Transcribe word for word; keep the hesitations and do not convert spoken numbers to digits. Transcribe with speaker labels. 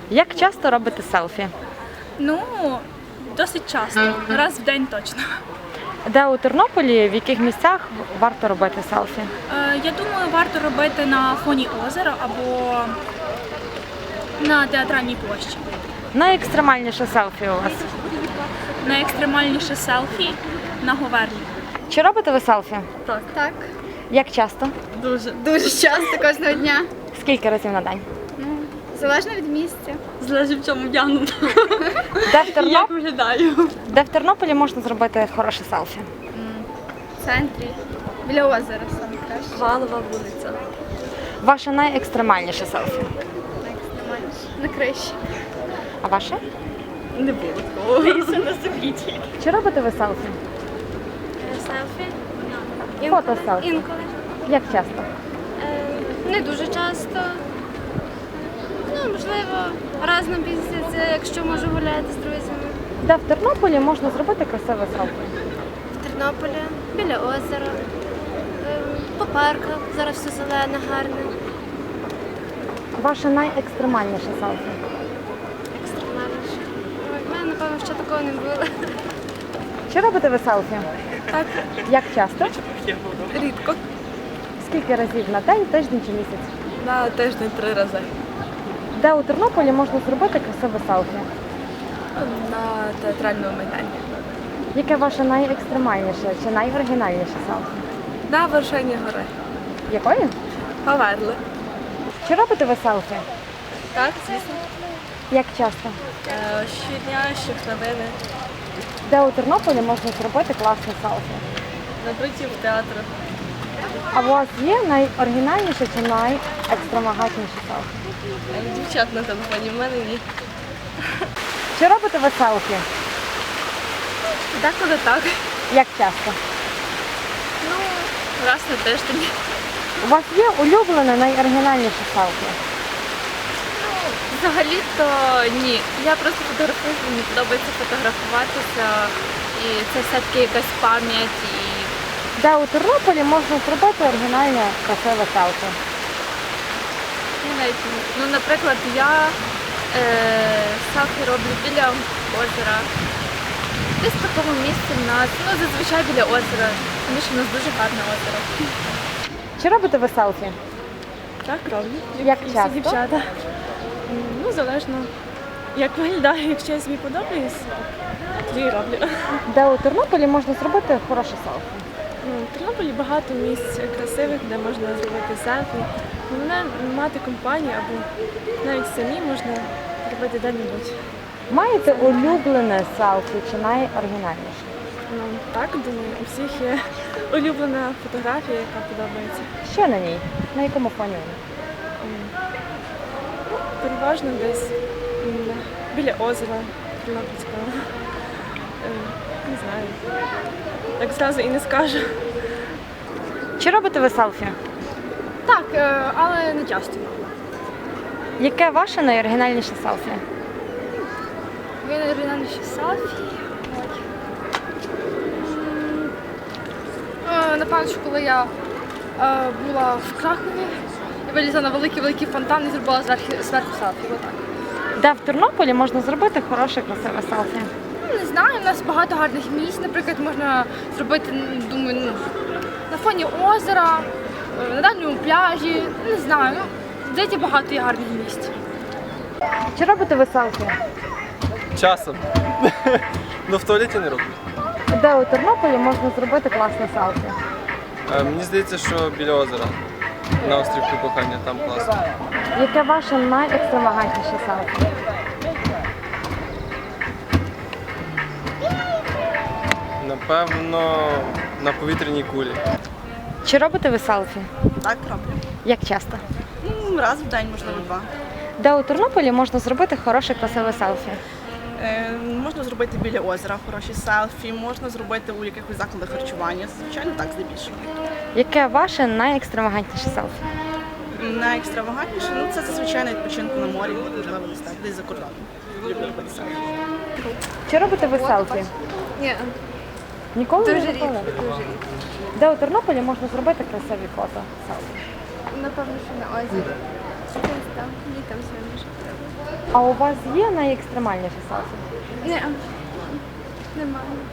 Speaker 1: Як часто робите селфі?
Speaker 2: Ну, досить часто, раз в день точно.
Speaker 1: Де у Тернополі, в яких місцях варто робити селфі?
Speaker 2: Е, Я думаю, варто робити на фоні озера або на театральній площі.
Speaker 1: Найекстремальніше селфі у вас?
Speaker 2: Найекстремальніше селфі на Говерлі.
Speaker 1: Чи робите ви селфі?
Speaker 3: Так. Так.
Speaker 1: Як часто?
Speaker 3: Дуже. Дуже часто кожного дня.
Speaker 1: Скільки разів на день?
Speaker 3: Ну, залежно від місця.
Speaker 4: Залежить в чому вдягнута.
Speaker 1: Де в, Терноп...
Speaker 4: Як виглядаю.
Speaker 1: Де в Тернополі можна зробити хороше селфі?
Speaker 3: В центрі. Біля озера саме краще.
Speaker 4: Валова вулиця.
Speaker 1: Ваше найекстремальніше селфі?
Speaker 3: Найекстремальніше. На криші.
Speaker 1: А ваше?
Speaker 4: Не було такого.
Speaker 1: Чи робите ви селфі?
Speaker 5: Селфі?
Speaker 1: Фото селфі.
Speaker 5: Інколи.
Speaker 1: Як часто?
Speaker 5: Е, Не дуже часто. Ну, можливо, раз на місяць, якщо можу гуляти з друзями.
Speaker 1: Де в Тернополі можна зробити красиве селфі?
Speaker 5: В Тернополі, біля озера, е, по парках, зараз все зелене, гарне,
Speaker 1: Ваше найекстремальніше селфі?
Speaker 5: екстремальніше. Ой, в мене, напевно, ще такого не було.
Speaker 1: Чи робите ви селфі?
Speaker 4: Так.
Speaker 1: Як часто?
Speaker 4: Рідко.
Speaker 1: Скільки разів на день, тиждень чи місяць?
Speaker 4: На тиждень три рази.
Speaker 1: Де у Тернополі можна зробити красиве селфі?
Speaker 4: На театральному майдані.
Speaker 1: Яке ваше найекстремальніше чи найоригінальніше селфі?
Speaker 4: На вершині гори.
Speaker 1: Якої?
Speaker 4: Поверли.
Speaker 1: Чи робите ви селфі?
Speaker 4: Так, звісно.
Speaker 1: Як часто?
Speaker 4: Е, Щодня, щохвилини.
Speaker 1: Де у Тернополі можна зробити класне селфі?
Speaker 4: Напротив театру.
Speaker 1: А у вас є найоригінальніше чи найекстравагантніше селфі?
Speaker 4: Е, Дівчат на телефоні, в мене ні.
Speaker 1: Чи робите ви селфі?
Speaker 4: Деколи так.
Speaker 1: Як часто?
Speaker 4: Ну, раз на тиждень.
Speaker 1: У вас є улюблене найоригінальніше селфі?
Speaker 4: Взагалі-то ні. Я просто фотографую, мені подобається фотографуватися. І це все-таки якась пам'ять. І
Speaker 1: Де у Тернополі можна зробити оригінальне красиве селфі?
Speaker 4: я навіть не... Ну, наприклад, я е, селфі роблю біля озера. Десь в такому місці в нас. Ну, зазвичай біля озера, тому що в нас дуже гарне озеро.
Speaker 1: Чи робите ви селфі?
Speaker 6: Так, роблю.
Speaker 1: Як
Speaker 6: І всі
Speaker 1: часто?
Speaker 6: дівчата. М, Ну, залежно, як виглядає, якщо я собі подобаюсь, тоді і роблю.
Speaker 1: Де у Тернополі можна зробити хороше селфі?
Speaker 6: Ну, в Тернополі багато місць красивих, де можна зробити селфі. Головне мати компанію або навіть самі можна робити де-небудь.
Speaker 1: Маєте улюблене селфі чи найоригінальніше?
Speaker 6: Ну, так, думаю, у всіх є улюблена фотографія, яка подобається.
Speaker 1: Що на ній? На якому фоні вона?
Speaker 6: Переважно десь м, біля озера Тернопільського. Е, Не знаю. Так зразу і не скажу.
Speaker 1: Чи робите ви селфі?
Speaker 2: Так, е, але не часто.
Speaker 1: Яке ваше найоригінальніше селфі?
Speaker 2: Ви найоригінальніші селфі. Е, Напевно, що коли я е, була в Кракові, я вилізла на великий-великий фонтан і зробила зверху, зверху селфі. Отак.
Speaker 1: Де в Тернополі можна зробити хороше красиве селфі?
Speaker 2: Ну, не знаю, у нас багато гарних місць. Наприклад, можна зробити, ну, думаю, ну, на фоні озера, е, на дальньому пляжі. Не знаю, ну, здається, багато є гарних місць.
Speaker 1: Чи робите ви селфі?
Speaker 7: Часом. Ну в туалеті не роблю.
Speaker 1: Де у Тернополі можна зробити класне селфі?
Speaker 7: Е, Мені здається, що біля озера. На острівку кохання, там класно.
Speaker 1: Яке ваше найекстравагантніше селфі?
Speaker 7: Напевно, на повітряній кулі.
Speaker 1: Чи робите ви селфі?
Speaker 4: Так, роблю.
Speaker 1: Як часто?
Speaker 4: Ну, раз в день, можливо, два.
Speaker 1: Де у Тернополі можна зробити хороше красиве селфі?
Speaker 8: Е, Можна зробити біля озера хороші селфі, можна зробити у якихось закладах харчування. Звичайно, так здебільшого.
Speaker 1: Яке ваше найекстравагантніше селфі?
Speaker 8: Найекстравагантніше, ну це зазвичай на відпочинку на морі, можливо, десь так, десь за кордоном. Люблю робити селфі.
Speaker 1: Чи робите ви селфі?
Speaker 3: Ні.
Speaker 1: Ніколи
Speaker 3: Дуже
Speaker 1: не
Speaker 3: рідко,
Speaker 1: робили?
Speaker 3: дуже рідко.
Speaker 1: Де у Тернополі можна зробити красиві фото селфі?
Speaker 3: Напевно, що на озері. Десь там, літом все може треба.
Speaker 1: А у вас є найекстремальніше селфі?
Speaker 3: Ні, немає.